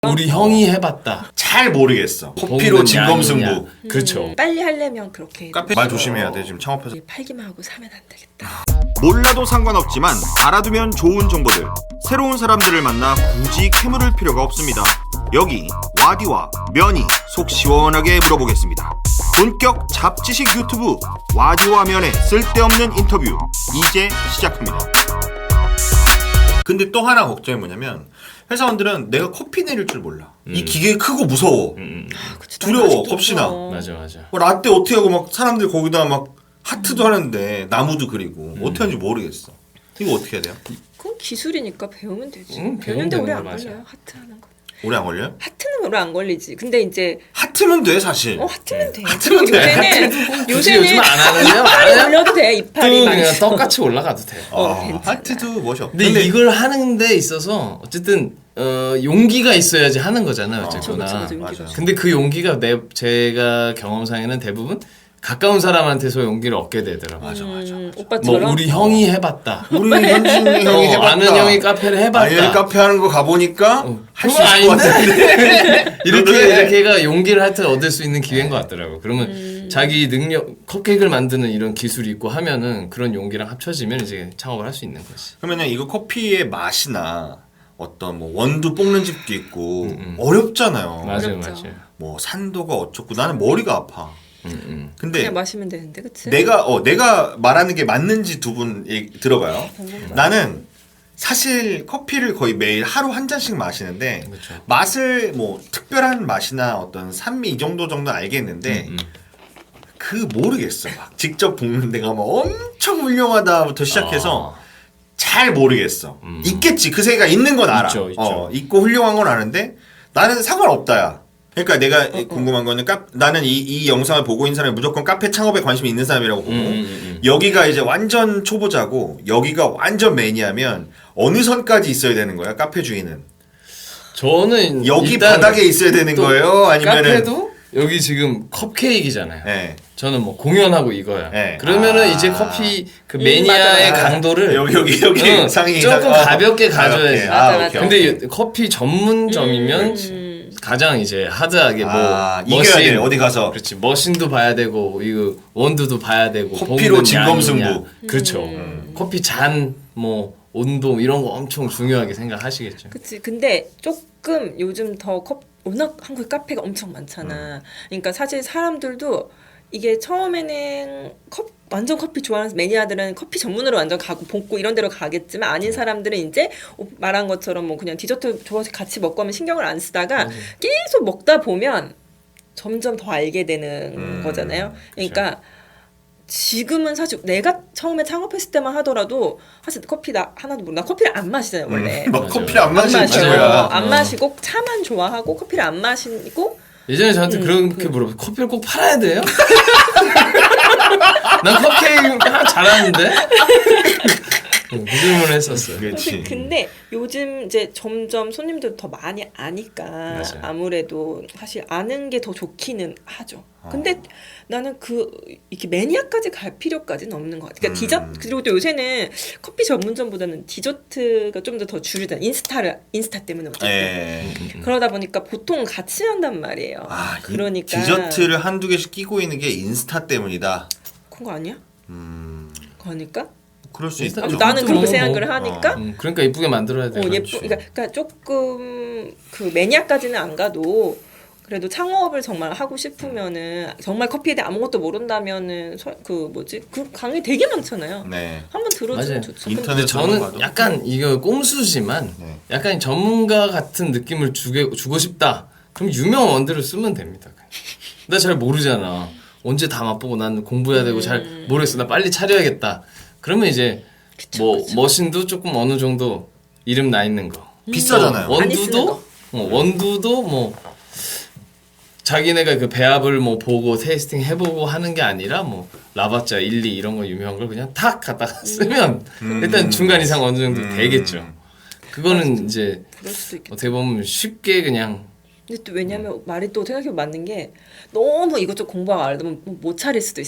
우리 형이 해봤다. 잘 모르겠어. 커피로 먹는 진검승부. 양이냐. 그렇죠. 빨리 하려면 그렇게 카페 말 조심해야 돼. 지금 창업해서. 팔기만 하고 사면 안 되겠다. 몰라도 상관없지만 알아두면 좋은 정보들. 새로운 사람들을 만나 굳이 캐물을 필요가 없습니다. 여기 와디와 면이 속 시원하게 물어보겠습니다. 본격 잡지식 유튜브 와디와 면의 쓸데없는 인터뷰 이제 시작합니다. 근데 또 하나 걱정이 뭐냐면 회사원들은 내가 커피 내릴 줄 몰라. 이 기계 크고 무서워. 그치, 두려워. 아직도 겁시나. 무서워. 맞아. 라떼 어떻게 하고 막 사람들 거기다 막 하트도 하는데 나무도 그리고 어떻게 하는지 모르겠어. 이거 어떻게 해야 돼요? 그건 기술이니까 배우면 되지. 배우면 배우는데 오래 되는 안 거 맞아. 걸려요. 하트 하는 거. 오래 안 걸려요? 하트는 오래 안 걸리지. 근데 이제 하트면 돼 사실. 하트면 돼. 하트면 돼. 요새는 굳이 요즘 안 하는데요? 이빨이 안 해요? 올려도 돼. 또 이빨이 막. 그냥 떡같이 올라가도 돼. 괜찮아. 하트도 멋이 없. 근데 이걸 하는 데 있어서 어쨌든 용기가 있어야지 하는 거잖아요. 어쨌거나. 그쵸, 맞아. 근데 그 용기가 제가 경험상에는 대부분 가까운 사람한테서 용기를 얻게 되더라고요. 맞아. 오빠처럼. 뭐 우리 형이 해봤다. 우리 현진이 형이 해봤다. 아는 형이 카페를 해봤다. 아니 카페 하는 거 가보니까 할 수 그건 있을 것 아닌데? 같은데. 이렇게가 용기를 하여튼 얻을 수 있는 기회인 것 같더라고. 그러면 자기 능력, 컵케이크를 만드는 이런 기술이 있고 하면은 그런 용기랑 합쳐지면 이제 창업을 할 수 있는 거지. 그러면은 이거 커피의 맛이나 어떤 뭐 원두 볶는 집도 있고 어렵잖아요. 맞아요. 어렵죠. 뭐 산도가 어쩌고 나는 머리가 아파. 근데 그냥 마시면 되는데, 그치? 내가 말하는 게 맞는지 두 분 들어봐요. 나는 사실 커피를 거의 매일 하루 한 잔씩 마시는데 그렇죠. 맛을 뭐 특별한 맛이나 어떤 산미 이 정도는 알겠는데 그 모르겠어. 막 직접 볶는 데가 막 엄청 훌륭하다부터 시작해서 잘 모르겠어. 있겠지. 그 세계가 있는 건 알아. 있죠. 있고 훌륭한 건 아는데 나는 상관없다야. 그러니까 내가 궁금한 거는 나는 이 영상을 보고 있는 사람이 무조건 카페 창업에 관심이 있는 사람이라고 보고 여기가 이제 완전 초보자고 여기가 완전 매니아면 어느 선까지 있어야 되는 거야 카페 주인은? 저는 여기 일단 바닥에 있어야 되는 거예요? 아니면은 카페도 여기 지금 컵케이크잖아요. 네. 저는 뭐 공연하고 이거야. 네. 그러면은 이제 커피 그 매니아의 맞아. 강도를 여기 상이 조금 가볍게 가져야지. 맞아. 근데 커피 전문점이면 가장 이제 하드하게 이겨야 돼 어디 가서. 그렇지 머신도 봐야 되고 이거 원두도 봐야 되고 커피로 볶는 진검승부. 양이냐. 그렇죠. 커피 잔 뭐 온도 이런 거 엄청 중요하게 생각하시겠죠. 그치. 근데 조금 요즘 더 워낙 한국에 카페가 엄청 많잖아. 그러니까 사실 사람들도 이게 처음에는 완전 커피 좋아하는 매니아들은 커피 전문으로 완전 가고 볶고 이런 데로 가겠지만 아닌 사람들은 이제 말한 것처럼 뭐 그냥 디저트 좋아서 같이 먹고 하면 신경을 안 쓰다가 계속 먹다 보면 점점 더 알게 되는 거잖아요. 그러니까 지금은 사실 내가 처음에 창업했을 때만 하더라도 사실 커피 나 하나도 모르. 나 커피를 안 마시잖아요 원래. 막 커피를 안 마시는 마셔요. 친구야. 안 마시고 차만 좋아하고 커피를 안 마시고. 예전에 저한테 그렇게 물어봤어요. 커피를 꼭 팔아야 돼요? 난 컵케이크 잘하는데? 그 질문을 했었어요. 그렇지. 근데 요즘 이제 점점 손님들 더 많이 아니까 맞아요. 아무래도 사실 아는 게 더 좋기는 하죠. 근데 나는 이렇게 매니아까지 갈 필요까지는 없는 것 같아. 그러니까 디저트 그리고 또 요새는 커피 전문점보다는 디저트가 좀 더 줄이잖아. 인스타 때문에 어쨌든. 그러다 보니까 보통 같이 한단 말이에요. 그러니까 디저트를 한두 개씩 끼고 있는 게 인스타 때문이다. 그런 거 아니야? 그러니까? 그럴 수 인스타 있다. 나는 그렇게 뭐, 생각을 하니까 그러니까 이쁘게 만들어야 돼. 그러니까 조금 그 매니아까지는 안 가도 그래도 창업을 정말 하고 싶으면은 정말 커피에 대해 아무것도 모른다면은 그 강의 되게 많잖아요. 네. 한번 들어주면 맞아요. 좋죠. 인터넷 저는 약간 이거 꼼수지만 약간 전문가 같은 느낌을 주고 싶다. 그럼 유명 원두를 쓰면 됩니다. 나 잘 모르잖아. 언제 다 맛보고 난 공부해야 되고 잘 모르겠어. 나 빨리 차려야겠다. 그러면 이제 머신도 조금 어느 정도 이름 나 있는 거. 비싸잖아요. 원두도 뭐 자기네가 그 배합을 뭐 보고 테이스팅 해보고 하는 게 아니라 뭐 라바짜 1, 2 이런 거 유명한 걸 그냥 탁 갖다가 쓰면 일단 중간 이상 어느 정도 되겠죠. 그거는 이제 그럴 수도 있겠다. 어떻게 보면 쉽게 그냥. 근데 또 왜냐면 말이 또 생각해보면 맞는 게 너무 이것저것 공부하고 알다 보면 못 차릴 수도 있어.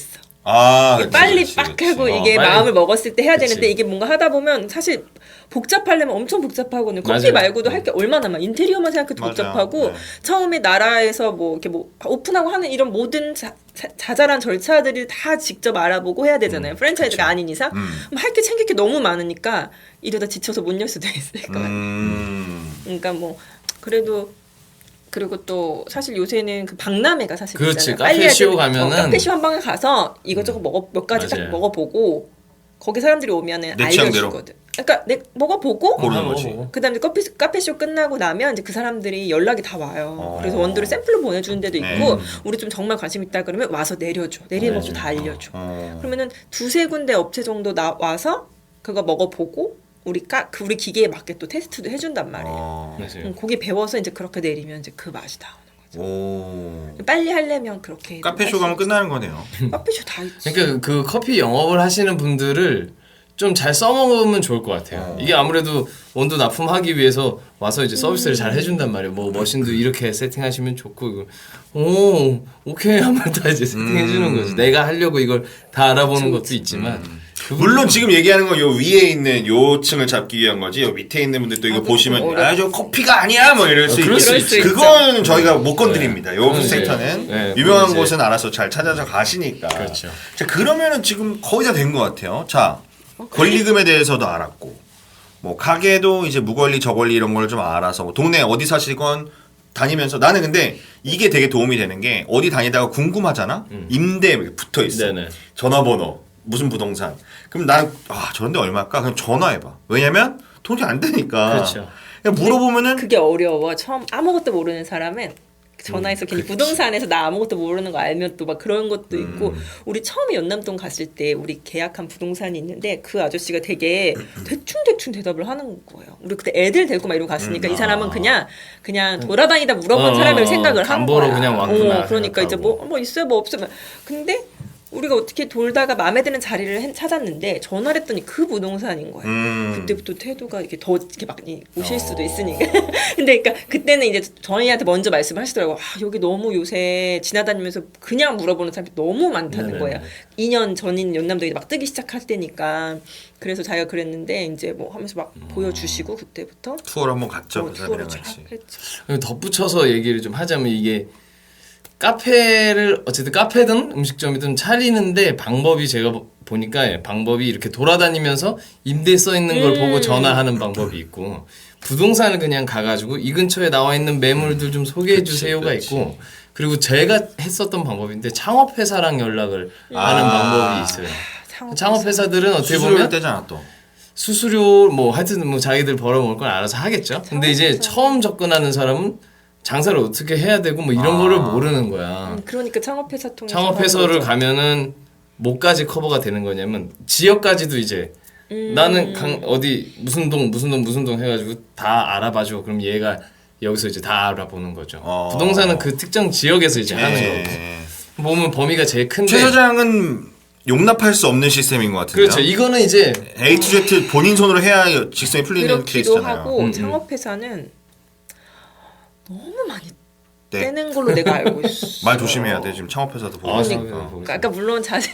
그치, 빨리 그치, 빡 그치. 하고 이게 빨리. 마음을 먹었을 때 해야 그치. 되는데 이게 뭔가 하다 보면 사실 복잡하려면 엄청 복잡하고는 커피 맞아요. 말고도 할 게 얼마나 많아. 인테리어만 생각해도 맞아. 복잡하고 네. 처음에 나라에서 뭐 이렇게 뭐 오픈하고 하는 이런 모든 자잘한 절차들을 다 직접 알아보고 해야 되잖아요. 프랜차이즈가 아닌 이상 할 게 챙길 게 너무 많으니까 이러다 지쳐서 못 열 수도 있을 것 같아요. 그러니까 뭐 그래도 그리고 또 사실 요새는 그 박람회가 사실 그렇지. 있잖아요. 빨리 카페쇼 해야 돼. 가면은 카페쇼 한 방에 가서 이것저것 몇 가지 딱 맞아요. 먹어보고 거기 사람들이 오면은 내 취향대로. 알려주거든. 그러니까 내 먹어보고 고르는 거지. 그다음에 카페쇼 끝나고 나면 이제 그 사람들이 연락이 다 와요. 그래서 원두를 샘플로 보내주는 데도 있고 우리 좀 정말 관심 있다 그러면 와서 내려줘. 내리는 법도 다 알려줘. 그러면은 두세 군데 업체 정도 와서 그거 먹어보고 우리 기계에 맞게 또 테스트도 해준단 말이에요. 맞아요. 거기 배워서 이제 그렇게 내리면 이제 그 맛이 나오는 거죠. 오. 빨리 하려면 그렇게 카페쇼 가면 끝나는 거네요. 카페쇼 다 있지. 그러니까 그 커피 영업을 하시는 분들을 좀 잘 써먹으면 좋을 것 같아요. 이게 아무래도 원두 납품하기 위해서 와서 이제 서비스를 잘 해준단 말이에요. 뭐 머신도 이렇게 세팅하시면 좋고 이거 오케이 하면 다 이제 세팅해주는 거지. 내가 하려고 이걸 다 알아보는 것도 있지만 물론 지금 얘기하는 건 요 위에 있는 요 층을 잡기 위한 거지. 요 밑에 있는 분들도 이거 그거 보시면 어렵지. 저 커피가 아니야 뭐 이럴 수 그럴 수 있겠지. 있죠. 그건 저희가 못 건드립니다. 요 네. 섹터는 네. 유명한 이제- 곳은 알아서 잘 찾아서 가시니까. 그렇죠. 자, 그러면은 지금 거의 다 된 것 같아요. 자, 권리금에 대해서도 알았고, 뭐 가게도 이제 무권리 저권리 이런 걸 좀 알아서 뭐 동네 어디 사시건 다니면서 나는 근데 이게 되게 도움이 되는 게 어디 다니다가 궁금하잖아. 임대 붙어 있어. 네네. 전화번호 무슨 부동산. 그럼 난 저런데 얼마일까? 그럼 전화해봐. 왜냐면 돈이 안 되니까. 그렇죠. 그냥 물어보면은 그게 어려워. 처음 아무것도 모르는 사람은 전화해서 괜히 부동산에서 나 아무것도 모르는 거 알면 또 막 그런 것도 있고 우리 처음에 연남동 갔을 때 우리 계약한 부동산이 있는데 그 아저씨가 되게 대충 대답을 하는 거예요. 우리 그때 애들 데리고 막 이러고 갔으니까 이 사람은 그냥 돌아다니다 물어본 사람을 생각을 한 간보러 거야. 그냥 왔구나 그러니까 이제 생각하고. 뭐 있어요 뭐 없어요. 근데 우리가 어떻게 돌다가 마음에 드는 자리를 찾았는데 전화를 했더니 그 부동산인 거예요. 그때부터 태도가 이렇게 더 이렇게 많이 오실 수도 있으니까. 근데 그러니까 그때는 이제 저희한테 먼저 말씀을 하시더라고요. 여기 너무 요새 지나다니면서 그냥 물어보는 사람이 너무 많다는 네네네. 거예요. 2년 전인 연남동이 막 뜨기 시작할 때니까. 그래서 자기가 그랬는데 이제 뭐 하면서 막 보여주시고 그때부터 투어를 한번 갔죠. 그 투어를 사람이랑 쫙 같이. 했죠. 덧붙여서 얘기를 좀 하자면 이게 카페를 어쨌든 카페든 음식점이든 차리는데 방법이 제가 보니까 방법이 이렇게 돌아다니면서 임대 써 있는 걸 보고 전화하는 방법이 있고 부동산을 그냥 가가지고 이 근처에 나와 있는 매물들 좀 소개해 주세요가 그치. 있고 그리고 제가 했었던 방법인데 창업회사랑 연락을 하는 방법이 있어요. 창업회사들은 어떻게 수수료를 보면 떼잖아 또. 수수료 뭐 하여튼 뭐 자기들 벌어먹을 건 알아서 하겠죠. 근데 이제 처음 접근하는 사람은 장사를 어떻게 해야 되고 뭐 이런 거를 모르는 거야. 그러니까 창업회사 통해서 창업회사를 하는 거죠. 가면은 뭐까지 커버가 되는 거냐면 지역까지도 이제 나는 어디 무슨 동 해가지고 다 알아봐줘. 그럼 얘가 여기서 이제 다 알아보는 거죠. 부동산은 그 특정 지역에서 이제 하는 거고. 보면 범위가 제일 큰데. 최 사장은 용납할 수 없는 시스템인 것 같은데요. 그렇죠. 이거는 이제 A to Z 본인 손으로 해야 직성이 풀리는 그렇기도 케이스잖아요. 하고 창업회사는 너무 많이 네. 떼는 걸로 내가 알고 있어. 말 조심해야 돼. 지금 창업회사도 보고. 그러니까 물론 자신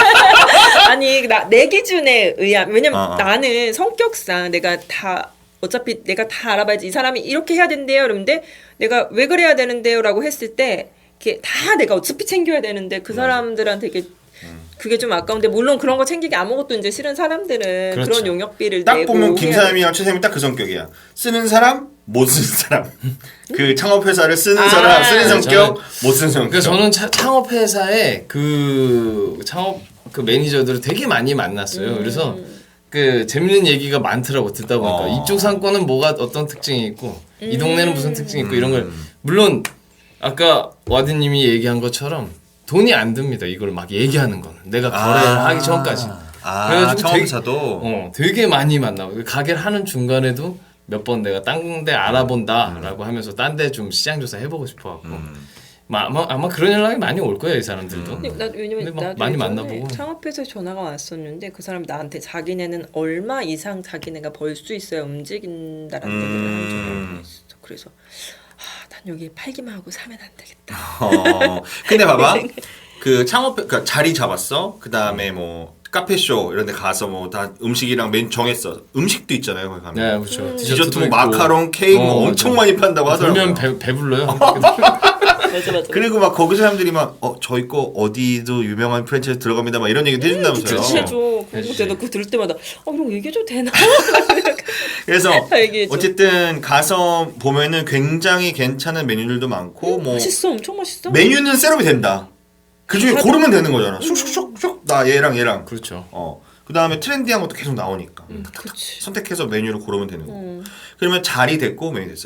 아니 내 기준에 의한 왜냐면 나는 성격상 내가 다 어차피 내가 다 알아봐야지 이 사람이 이렇게 해야 된대요. 그런데 내가 왜 그래야 되는데요라고 했을 때 이게 다 내가 어차피 챙겨야 되는데 그 사람들한테 이게 그게 좀 아까운데 물론 그런 거 챙기기 아무것도 이제 싫은 사람들은 그렇죠. 그런 용역비를 딱 내고 보면 해야 김사람이랑 최쌤이 딱 그 성격이야. 쓰는 사람, 못 쓰는 사람. 그 창업회사를 쓰는 사람, 쓰는 성격, 못 쓰는 성격. 그러니까 저는 창업회사에 그 창업 그 매니저들을 되게 많이 만났어요. 그래서 그 재밌는 얘기가 많더라고 듣다 보니까 이쪽 상권은 뭐가 어떤 특징이 있고 이 동네는 무슨 특징이 있고 이런 걸 물론 아까 와디님이 얘기한 것처럼 돈이 안 듭니다. 이걸 막 얘기하는 거는 내가 거래를 하기 전까지. 그래가지고 창업회사도 되게 많이 만나고 가게를 하는 중간에도 몇 번 내가 딴 데 알아본다라고 하면서 딴 데 좀 시장 조사 해보고 싶어갖고 아마 그런 연락이 많이 올 거예요 이 사람들도. 왜냐면 근데 막 나도 많이 예전에 만나보고. 창업회사에 전화가 왔었는데 그 사람이 나한테 자기네는 얼마 이상 자기네가 벌 수 있어야 움직인다라는 얘기를 한 적이 있어. 그래서 난 여기 팔기만 하고 사면 안 되겠다. 근데 봐봐. 그 창업 그러니까 자리 잡았어. 그 다음에 뭐 카페쇼 이런 데 가서 뭐 다 음식이랑 메뉴 정했어. 음식도 있잖아요 거기 가면. 네, 그렇죠. 디저트 뭐 있고. 마카롱, 케이크 뭐 엄청 맞아. 많이 판다고 하더라고요. 그러면 배불러요. 맞아. 그리고 막 거기 사람들이 막 저희 거 어디도 유명한 프랜차이즈 들어갑니다 막 이런 얘기도 해준다면서요. 해줘. 그리고 해주지. 내가 그거 들을 때마다 이런 거 얘기해줘도 되나? 그래서 다 얘기해줘. 어쨌든 가서 보면은 굉장히 괜찮은 메뉴들도 많고 뭐 맛있어, 엄청 맛있어. 메뉴는 셋업이 된다. 그 중에 다들- 고르면 되는 거잖아. 슉슉슉슉 나 얘랑. 그렇죠. 그 다음에 트렌디한 것도 계속 나오니까 그치. 선택해서 메뉴를 고르면 되는 거고. 그러면 자리 됐고 메뉴 됐어요.